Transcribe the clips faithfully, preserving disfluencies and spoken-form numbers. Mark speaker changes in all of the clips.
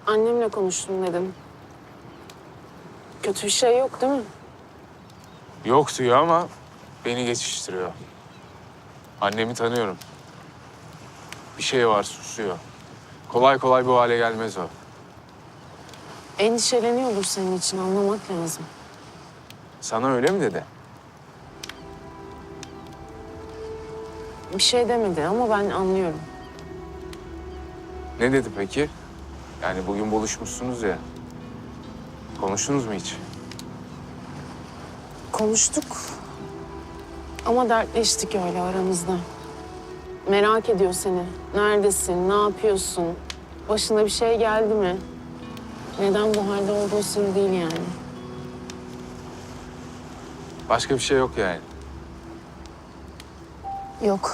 Speaker 1: Annemle konuştum dedim. Kötü bir şey yok değil mi?
Speaker 2: Yok diyor ama beni geçiştiriyor. Annemi tanıyorum. Bir şey var, susuyor. Kolay kolay bu hale gelmez o.
Speaker 1: Endişeleniyordur senin için, anlamak lazım.
Speaker 2: Sana öyle mi dedi?
Speaker 1: Bir şey demedi ama ben anlıyorum.
Speaker 2: Ne dedi peki? Yani bugün buluşmuşsunuz ya. Konuştunuz mu hiç?
Speaker 1: Konuştuk ama dertleştik öyle aramızda. Merak ediyor seni. Neredesin, ne yapıyorsun? Başına bir şey geldi mi? Neden bu halde olduğu sır değil yani.
Speaker 2: Başka bir şey yok yani.
Speaker 1: Yok.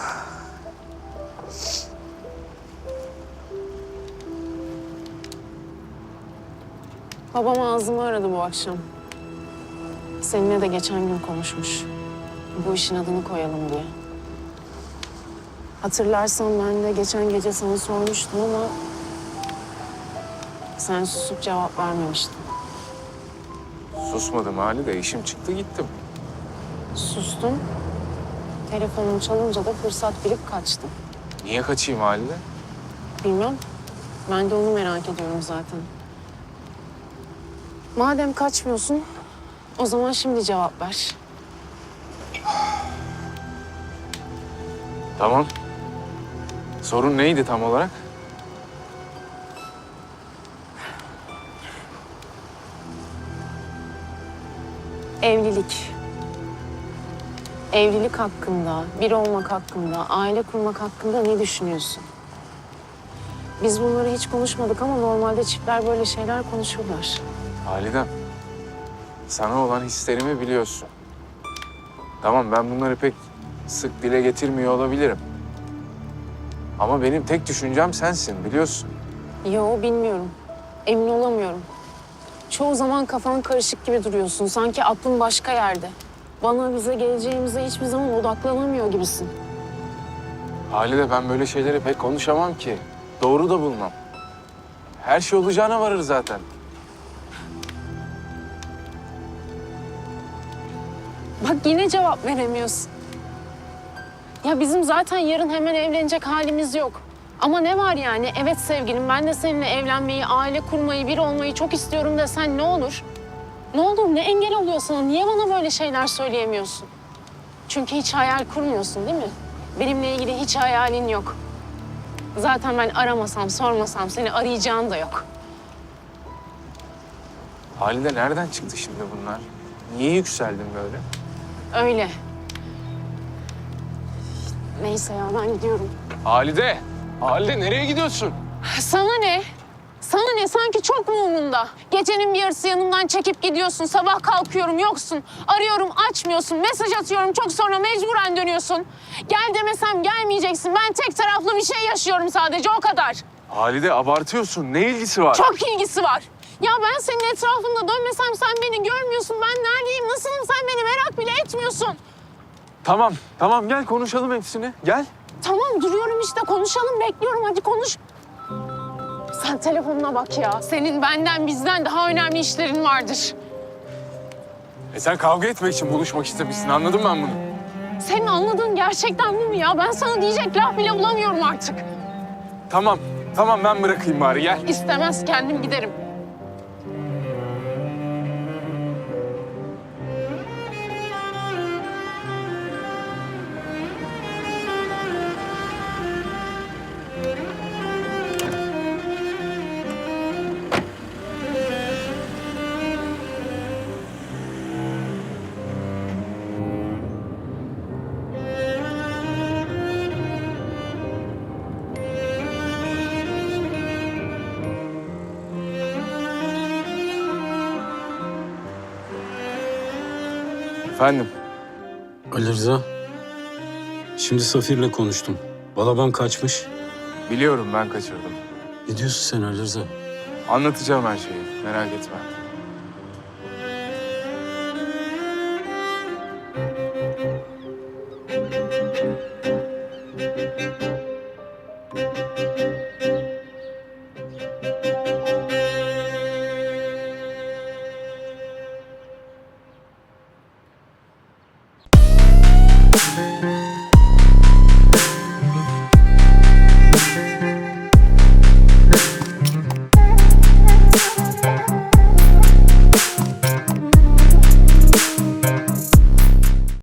Speaker 1: Babam ağzımı aradı bu akşam. Seninle de geçen gün konuşmuş. Bu işin adını koyalım diye. Hatırlarsan ben de geçen gece sana sormuştum ama sen susup cevap vermemiştin.
Speaker 2: Susmadım Halide, işim çıktı gittim.
Speaker 1: Sustum. Telefonum çalınca da fırsat bilip kaçtım.
Speaker 2: Niye kaçayım Halide?
Speaker 1: Bilmem. Ben de onu merak ediyorum zaten. Madem kaçmıyorsun, o zaman şimdi cevap ver.
Speaker 2: Tamam. Sorun neydi tam olarak?
Speaker 1: Evlilik. Evlilik hakkında, bir olmak hakkında, aile kurmak hakkında ne düşünüyorsun? Biz bunları hiç konuşmadık ama normalde çiftler böyle şeyler konuşurlar.
Speaker 2: Halidem, sana olan hislerimi biliyorsun. Tamam, ben bunları pek sık dile getirmiyor olabilirim. Ama benim tek düşüncem sensin, biliyorsun.
Speaker 1: Yo, bilmiyorum. Emin olamıyorum. Çoğu zaman kafan karışık gibi duruyorsun. Sanki aklın başka yerde. Bana, bize, geleceğimize hiçbir zaman odaklanamıyor gibisin.
Speaker 2: Halide, ben böyle şeyleri pek konuşamam ki. Doğru da bulmam. Her şey olacağına varır zaten.
Speaker 1: Bak yine cevap veremiyorsun. Ya bizim zaten yarın hemen evlenecek halimiz yok. Ama ne var yani? Evet sevgilim, ben de seninle evlenmeyi, aile kurmayı, bir olmayı çok istiyorum desen ne olur? Ne olur, ne engel oluyor sana? Niye bana böyle şeyler söyleyemiyorsun? Çünkü hiç hayal kurmuyorsun değil mi? Benimle ilgili hiç hayalin yok. Zaten ben aramasam, sormasam seni arayacağın da yok.
Speaker 2: Halide, nereden çıktı şimdi bunlar? Niye yükseldin böyle?
Speaker 1: Öyle. Neyse ya, ben gidiyorum.
Speaker 2: Halide! Halide, nereye gidiyorsun?
Speaker 1: Sana ne? Sana ne? Sanki çok mu umurunda? Gecenin bir yarısı yanımdan çekip gidiyorsun. Sabah kalkıyorum, yoksun. Arıyorum, açmıyorsun. Mesaj atıyorum, çok sonra mecburen dönüyorsun. Gel demesem gelmeyeceksin. Ben tek taraflı bir şey yaşıyorum sadece, o kadar.
Speaker 2: Halide, abartıyorsun. Ne ilgisi var?
Speaker 1: Çok ilgisi var. Ya ben senin etrafında dönmesem sen beni görmüyorsun. Ben neredeyim, nasılım sen beni merak bile etmiyorsun.
Speaker 2: Tamam, tamam. Gel konuşalım hepsini. Gel.
Speaker 1: Tamam, duruyorum işte, konuşalım, bekliyorum, hadi konuş. Sen telefonuna bak ya. Senin benden, bizden daha önemli işlerin vardır.
Speaker 2: E sen kavga etmek için buluşmak istemişsin. Anladım ben bunu.
Speaker 1: Senin anladığın gerçekten bu mu ya? Ben sana diyecek laf bile bulamıyorum artık.
Speaker 2: Tamam, tamam. Ben bırakayım bari. Gel.
Speaker 1: İstemez, kendim giderim.
Speaker 2: Efendim?
Speaker 3: Ali Rıza, şimdi Safir'le konuştum. Balaban kaçmış.
Speaker 2: Biliyorum, ben kaçırdım.
Speaker 3: Ne diyorsun sen Ali Rıza?
Speaker 2: Anlatacağım her şeyi. Merak etme.
Speaker 3: Rıza.